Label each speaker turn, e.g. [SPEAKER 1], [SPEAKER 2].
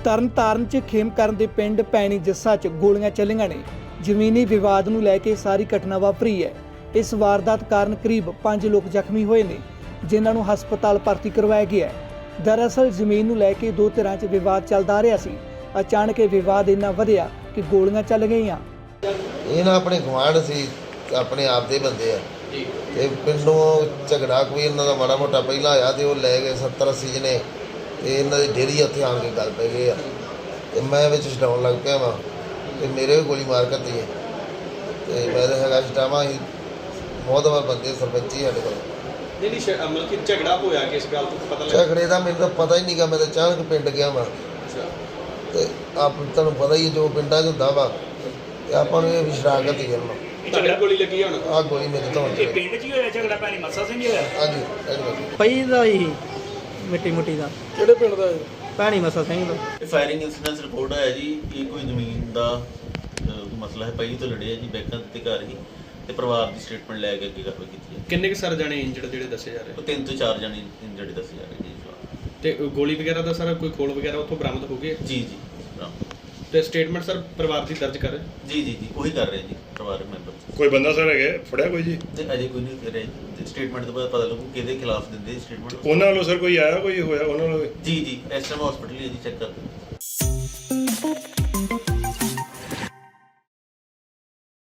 [SPEAKER 1] ਤਰਨਤਾਰਨ 'ਚ ਖੇਮਕਰਨ ਦੇ ਪਿੰਡ ਪੈਣੀ ਜੱਸਾ 'ਚ ਗੋਲੀਆਂ ਚੱਲੀਆਂ ਨੇ। ਜ਼ਮੀਨੀ ਵਿਵਾਦ ਨੂੰ ਲੈ ਕੇ ਸਾਰੀ ਘਟਨਾ ਵਾਪਰੀ ਹੈ। ਇਸ ਵਾਰਦਾਤ ਕਾਰਨ ਕਰੀਬ 5 ਲੋਕ ਜ਼ਖਮੀ ਹੋਏ ਨੇ, ਜਿਨ੍ਹਾਂ ਨੂੰ ਹਸਪਤਾਲ ਭਰਤੀ ਕਰਵਾਇਆ ਗਿਆ ਹੈ। ਦਰਅਸਲ ਜ਼ਮੀਨ ਨੂੰ ਲੈ ਕੇ ਦੋ ਧਿਰਾਂ 'ਚ ਵਿਵਾਦ ਚੱਲਦਾ ਆ ਰਿਹਾ ਸੀ। ਅਚਾਨਕ ਇਹ ਵਿਵਾਦ ਇੰਨਾ ਵਧਿਆ ਕਿ ਗੋਲੀਆਂ ਚੱਲ ਗਈਆਂ।
[SPEAKER 2] ਇਹ ਨਾ ਆਪਣੇ ਗੁਆਂਢ ਸੀ, ਆਪਣੇ ਆਪ ਦੇ ਬੰਦੇ ਆ ਤੇ ਪਿੰਡੋਂ ਝਗੜਾ ਕੋਈ ਇਹਨਾਂ ਦਾ ਮਾੜਾ ਮੋਟਾ ਪਹਿਲਾਂ ਆਇਆ ਤੇ ਉਹ ਲੈ ਗਏ 70-80 ਜਣੇ ਤੇ ਇਹਨਾਂ ਦੀ ਡੇਰੀ ਉੱਥੇ ਆਣ ਕੇ ਗੱਲ ਪੈ ਗਏ ਆ ਤੇ ਮੈਂ ਵਿੱਚ ਛਡਾਉਣ ਲੱਗ ਪਿਆ ਵਾਂ ਤੇ ਮੇਰੇ ਵੀ ਗੋਲੀ ਮਾਰ ਕਰਤੀ ਹੈ ਤੇ ਮੈਂ ਤਾਂ ਹੈਗਾ ਛਡਾਵਾਂ ਹੀ ਬਹੁਤ ਵਾਰ ਬੰਦੇ ਸਰਪੰਚੀ ਸਾਡੇ ਕੋਲ
[SPEAKER 3] ਨਹੀਂ ਮਤਲਬ ਕਿ ਝਗੜਾ ਹੋਇਆ ਕਿਸ ਗੱਲ ਤੋਂ ਪਤਾ ਲੱਗਾ?
[SPEAKER 2] ਝਗੜੇ ਦਾ ਮੈਨੂੰ ਤਾਂ ਪਤਾ ਹੀ ਨਹੀਂਗਾ, ਮੈਂ ਤਾਂ ਅਚਾਨਕ ਪਿੰਡ ਗਿਆ ਵਾਂ ਤੇ ਆਪ ਤੁਹਾਨੂੰ ਪਤਾ ਹੀ ਹੈ ਜੋ ਪਿੰਡਾਂ 'ਚ ਹੁੰਦਾ ਵਾ ਤੇ ਆਪਾਂ ਨੂੰ ਇਹ ਵੀ ਸ਼ਰਾਕਤ ਹੀ ਕਰਨਾ।
[SPEAKER 3] ਝਗੜਾ ਗੋਲੀ ਲੱਗੀ ਹੁਣ
[SPEAKER 2] ਆਹ ਗੋਲੀ ਮੇਰੇ ਤੋਂ
[SPEAKER 4] ਇਹ ਪਿੰਡ 'ਚ ਹੀ ਹੋਇਆ ਝਗੜਾ? ਭੈਣੀ ਮੱਸਾ ਸਿੰਘ ਹੀ ਹੋਇਆ?
[SPEAKER 2] ਹਾਂਜੀ
[SPEAKER 5] ਪਈ ਦਾ ਹੀ ਮਿੱਟੀ ਮੁੱਟੀ ਦਾ।
[SPEAKER 3] ਕਿਹੜੇ ਪਿੰਡ ਦਾ
[SPEAKER 5] ਭੈਣੀ ਮੱਸਾ ਸਿੰਘ ਦਾ।
[SPEAKER 6] ਇਹ ਫਾਇਰਿੰਗ ਇਨਸੀਡੈਂਸ ਰਿਪੋਰਟ ਆਇਆ ਜੀ। ਇਹ ਕੋਈ ਜ਼ਮੀਨ ਦਾ ਮਸਲਾ ਹੈ, ਪਹਿਲੀ ਤੋਂ ਲੜਿਆ ਜੀ, ਬੈਕਾਂ ਦੇ ਘਰ ਹੀ ਤੇ ਪਰਿਵਾਰ ਦੀ ਸਟੇਟਮੈਂਟ ਲੈ ਕੇ ਅੱਗੇ ਕਾਰਵਾਈ ਕੀਤੀ ਹੈ।
[SPEAKER 3] ਕਿੰਨੇ ਕੁ ਸਰ ਜਾਣੇ ਇੰਜਰਡ ਜਿਹੜੇ ਦੱਸੇ ਜਾ ਰਹੇ?
[SPEAKER 6] ਉਹ 3 ਤੋਂ 4 ਜਣੇ ਇੰਜਰਡ ਦੱਸੇ ਜਾ ਰਹੇ ਜੀ।
[SPEAKER 3] ਤੇ ਗੋਲੀ ਵਗੈਰਾ ਦਾ ਸਰ ਕੋਈ ਖੋਲ ਵਗੈਰਾ ਉੱਥੋਂ ਬਰਾਮਦ ਹੋ ਗਏ?
[SPEAKER 6] ਜੀ ਜੀ
[SPEAKER 3] ਤੇ ਸਟੇਟਮੈਂਟ ਸਰ ਪਰਿਵਾਰ ਦੀ ਦਰਜ ਕਰ
[SPEAKER 6] ਜੀ ਜੀ ਜੀ ਉਹੀ ਕਰ ਰਹੇ ਜੀ ਪਰਿਵਾਰਕ ਮੈਂਬਰ।
[SPEAKER 7] ਕੋਈ ਬੰਦਾ ਸਰ ਹੈਗਾ ਫੜਿਆ ਕੋਈ ਜੀ?
[SPEAKER 6] ਤੇ ਅਜੇ ਕੋਈ ਨਹੀਂ ਕਰ ਰਿਹਾ। ਸਟੇਟਮੈਂਟ ਤੋਂ ਬਾਅਦ ਪਤਾ ਲੱਗੂ ਕਿਹਦੇ ਖਿਲਾਫ ਦਿੰਦੇ ਸਟੇਟਮੈਂਟ।
[SPEAKER 7] ਉਹਨਾਂ ਵੱਲੋਂ ਸਰ ਕੋਈ ਆਇਆ, ਕੋਈ ਹੋਇਆ ਉਹਨਾਂ ਵੱਲੋਂ?
[SPEAKER 6] ਜੀ ਜੀ ਇਸ ਟਾਈਮ ਹਸਪੀਟਲ ਹੀ ਹੈ ਜੀ, ਚੈੱਕ ਕਰਦੇ